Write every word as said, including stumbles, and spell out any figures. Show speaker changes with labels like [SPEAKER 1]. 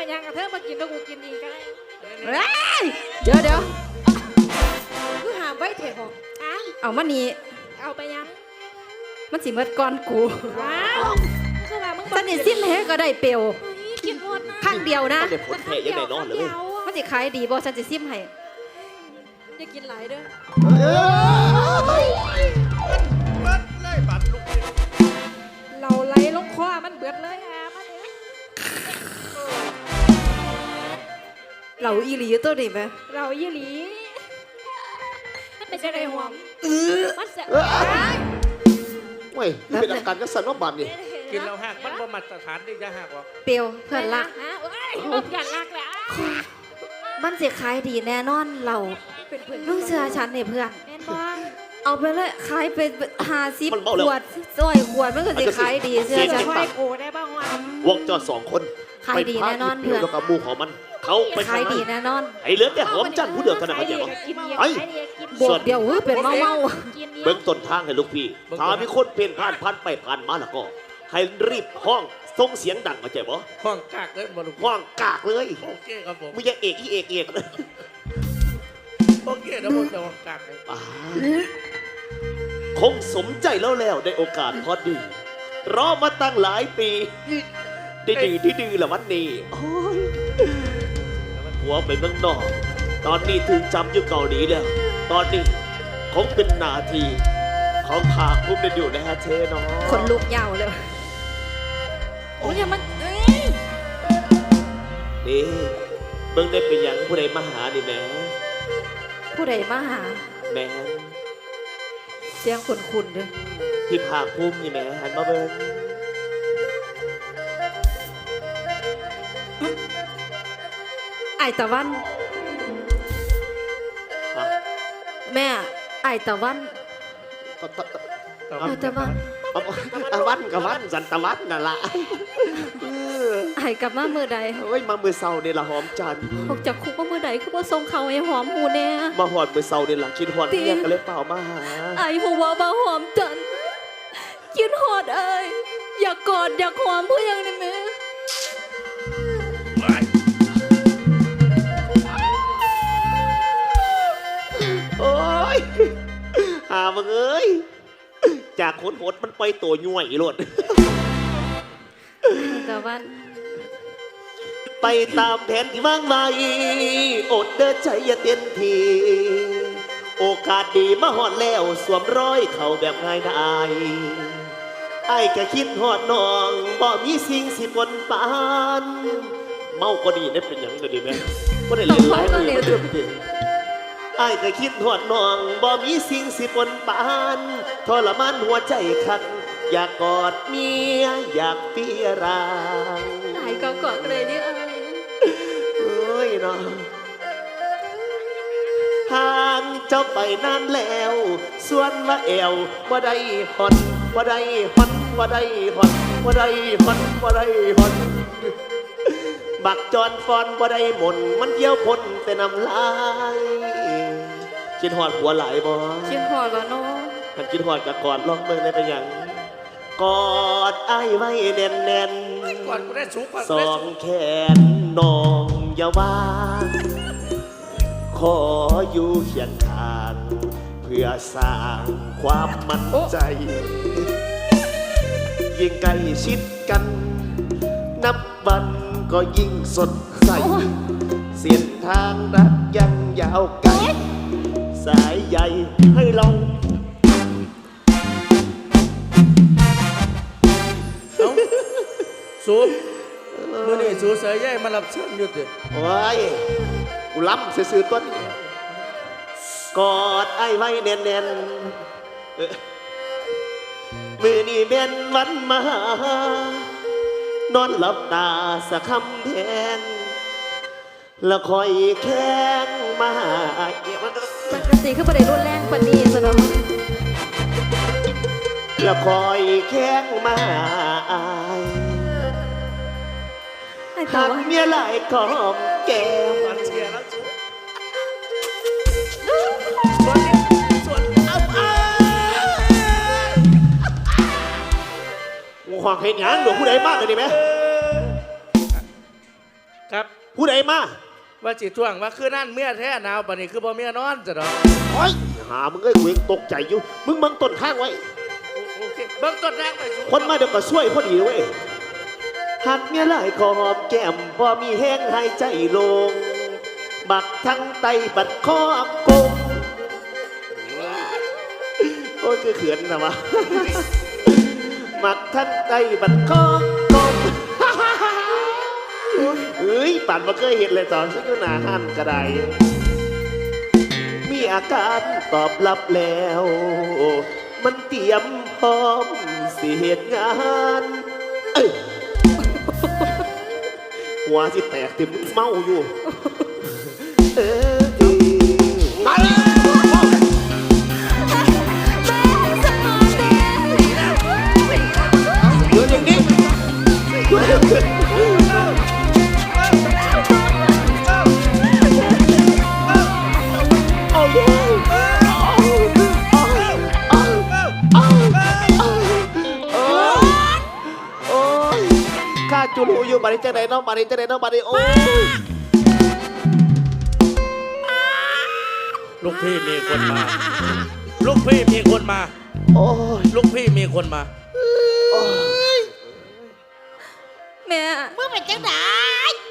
[SPEAKER 1] เป็นยังกับเธอมากินแล้วกูกินอีกก็ได้
[SPEAKER 2] เดี๋ยวเดี๋ยว
[SPEAKER 1] กูหามไว้เถอะบอกอ่ะ
[SPEAKER 2] เอามานี่
[SPEAKER 1] เอาไปยัง
[SPEAKER 2] มันสิเมิดก่อนกู
[SPEAKER 1] ว้าวคือว่ามึง
[SPEAKER 2] สนิทสิ้นแท้ก็ได้เปลว
[SPEAKER 1] กินหมดนะ
[SPEAKER 2] ข้างเดียวนะ
[SPEAKER 3] มันได้ผลแพ้ยังไงนอนเลย
[SPEAKER 2] มันสิขายดีบ่ฉันจะซิมให้
[SPEAKER 1] อย่ากินหลายเด้อ
[SPEAKER 4] บัดเลยบัดลูกนี่
[SPEAKER 1] เราไล่ลงคอมันเบิดเลยอ่ะมาเนี่ย
[SPEAKER 2] เหล่าอีหลีตัวนี้ไหม
[SPEAKER 1] เรายี่หลีมันเป็นอะไรหอมมันเสีย
[SPEAKER 3] เว้ยนี่เป็นอาการกระสันว่าบัดนี่
[SPEAKER 4] กินแล้วหักมันบ่มาตรฐานได้จะหักหรอก
[SPEAKER 2] เปลวเพื่อนรัก
[SPEAKER 1] ฮะโอ้ยมันเพื่อนรักแหละ
[SPEAKER 2] มันสิขายดีแน่นอนเรา
[SPEAKER 1] เป็นเพื่อน
[SPEAKER 2] ลูกเชื่อฉันนี่เพื่อน
[SPEAKER 1] แม่นบ้าง
[SPEAKER 2] เอาไปเลยขายไปหาซิบขวดซอยขวดมันก็สิขายดีเชื่อ
[SPEAKER 1] จะ
[SPEAKER 2] ฉัน
[SPEAKER 1] คอยโกได้บ้างวะ
[SPEAKER 3] วงจรสองคน
[SPEAKER 2] ขายดีแน่นอน
[SPEAKER 3] ไป
[SPEAKER 2] เพื่อน
[SPEAKER 3] พาที่ผิวแล้วกับหมูของมัน เขาไป
[SPEAKER 2] ขาย
[SPEAKER 3] ทำไม
[SPEAKER 2] ดีแน่นอน
[SPEAKER 3] ไอ้เหลือแต่หอมจันทร์ผู้เดียวเท่านั้นเขาใจบ่
[SPEAKER 1] กินเดียว
[SPEAKER 3] ไอ้
[SPEAKER 1] กิน
[SPEAKER 2] บวกเดียวเฮ้ยเป็นเมาเมา
[SPEAKER 1] กินเดียว
[SPEAKER 3] เบิ้งต้นทางให้ลูกพี่ถ้ามีคนเพ่นผ่านผ่านไปผ่านมาแล้วก็ ให้รีบห้องส่งเสียงดังเข้าใจบ่
[SPEAKER 4] ห้องกากเลยบ่ลูก
[SPEAKER 3] ห้องกากเลย
[SPEAKER 4] โอเคครับผม
[SPEAKER 3] มึงอย่าเอกอีเอกเอกเลย
[SPEAKER 4] โอเคนะผมจะห้องกากเลย
[SPEAKER 3] อ่าคงสมใจแล้วแล้วได้โอกาสพอดี รอมาตั้งหลายปีได้ดีที่ดีละวันนี้โอ้ยหัวไปเมืองนอก ตอนนี้ถึงจำอยู่เกาหลีแล้ว ตอนนี้คงเป็นนาทีของภาคภูมิได้อยู่ในฮะเชเนาะ
[SPEAKER 2] คนลุกยาวเลยโอ้ยมันเอ้ย
[SPEAKER 3] นี่เบิ่งได้เป็นหยังผู้ใดมาหานี่แหม่
[SPEAKER 2] ผู้ใดมาหา
[SPEAKER 3] แหม่
[SPEAKER 2] เสียงขุ่นๆเด้อ
[SPEAKER 3] ที่ภาคภูมินี่แหม่หันมาเบิ่ง
[SPEAKER 2] ไอตะวัน
[SPEAKER 3] ฮะ
[SPEAKER 2] แม่ไอตะวัน
[SPEAKER 3] ตะตะตะ
[SPEAKER 2] ไอตะวัน
[SPEAKER 3] เอาตะวันกับวันสันตะวันนั่นล่ะเออ
[SPEAKER 2] ไอกลับมาเมื่อใด
[SPEAKER 3] เอ้ยมามือเศร้าเนี่ยละหอมจันทร์
[SPEAKER 2] ออกจากคุกมาเมื่อใดคือว่าทรงเขาไอ้หอมหูแน่
[SPEAKER 3] มาหอดมือเศร้าเนี่ยละคิดหอด
[SPEAKER 2] จริง
[SPEAKER 3] เนี่ยก็เลยเปล่ามาหา
[SPEAKER 2] ไอหัวบ่าหอมจันกินหอดเอ้ยอยากกอดอยากหอมเพื่อยังได้ไหม
[SPEAKER 3] โอ้ยหามึงเอ้ยจากขนหดมันไปตัวย่วยอีโลด
[SPEAKER 2] ตะวัน
[SPEAKER 3] ไปตามแผนที่วางไว้อดเดินใจอย่าเต้นทีโอกาสดีมาหอดแล้วสวมรอยเข้าแบบง่ายดายไอ้แค่คิดหอดน้องบ่มีสิ่งสิปนปานเมาก็ดีได้เป็นอย่างก็ดีไหมก็ได้เล่นหลายมือมาเดิมเดิมไอ้แค่คิดหอดน้องบ่มีสิ่งสิปนปานทรมานหัวใจคักอยากกอดเมียอยากเปียราง
[SPEAKER 2] ไอก็กอดเลยนี่เอ้ย
[SPEAKER 3] เอ้ยน้องห่างเจ้าไปนานแล้วส่วนว่าแอวว่าได้หอนว่าได้หอนว่าได้หอนว่าได้หอนว่าได้หอนบักจอนฟอนว่าได้หมนมันเยี่ยวพ่นแต่น้ำลายกินหอดหัวไหลบ่
[SPEAKER 2] กินหอดแล้วเนาะ
[SPEAKER 3] ถ้ากินหอดกับกอดลองเบิ่งได้เป็นหยังกอดไอ้ไว้แน่นแน่น
[SPEAKER 4] ก่อนกูได้สูงก่อน
[SPEAKER 3] ส
[SPEAKER 4] กู
[SPEAKER 3] อ
[SPEAKER 4] ได้
[SPEAKER 3] ง
[SPEAKER 4] สูง
[SPEAKER 3] แขนน้องอย่าวางขออยู่เคียงข้างเพื่อสร้างความมั่นใจ ยิ่งใกล้ชิดกัน นับวันก็ยิ่งสดใส เส้นทางรักยังยาวไกล สายใยให้เรา
[SPEAKER 4] เอ้าสูมื่อนี้สูเสยใหญ่มารับเชิญอยู่ติ
[SPEAKER 3] โอ้ยกูล้ำซื้อๆต้นกอดไอ้ไว้แน่นๆเอ้อมือนี่เป็นวันมาหานอนหลับตาสักคำแทงแล้วคอยแข้งมาหาเอี่ยมัน
[SPEAKER 2] ปกติคือประเดี๋ยวรุนแรงปานนี้ซะเนาะ
[SPEAKER 3] แล้วคอยแข้งมาหาอาย
[SPEAKER 2] ไอตะ
[SPEAKER 3] หาก
[SPEAKER 2] วัน
[SPEAKER 3] เมียหลายกอมแก้ม
[SPEAKER 4] มันเชียร์แล้วสูส่วนนี้ส่วนเอาไป
[SPEAKER 3] กูขวางเห็นหยังหนูผู้ใดมากเลยดิไหม
[SPEAKER 4] ครับ
[SPEAKER 3] ผู้ใดมา
[SPEAKER 4] ว่าจิท่วงว่าคือนั่นเมียแท้หนาวปานนี้คือบ่เมียนอนจ้ะดอก
[SPEAKER 3] โอ้ยหามึงเอ้ยกูยังตกใจอยู่มึงบังต้นข้างไว้
[SPEAKER 4] โอเคเบิ่งต้นแรกไปสู
[SPEAKER 3] คนมาเดี๋ยวก็ช่วยพอดีเว้ยหักเมียหลายขอหอมแก้มพอมีแห้งหายใจลง บักทั้งไตบัดคอกงโอ้ยคือเขือนนะวะ บักทั้งไตบัดคอกงเอ้ยปั่นมาเคยเห็นเลยตอนฉันอยู่หน้าห้านกระไดมีอาการตอบรับแล้ว มันเตรียมพร้อมสิเหตุงานเอ้ยหัวสิแตกติมึงเมาอยู่ เออมาเลยอยู่อย่างนี้ข้าจูรูอยู่บาริจะไหนน้องบาริจะไหนน้องบาริโอ้ย
[SPEAKER 4] ลูกพี่มีคนมา ลูกพี่มีคนมา
[SPEAKER 3] โอ้ย
[SPEAKER 4] ลูกพี่มีคนมา
[SPEAKER 2] แม่
[SPEAKER 1] มึงเป็นจังได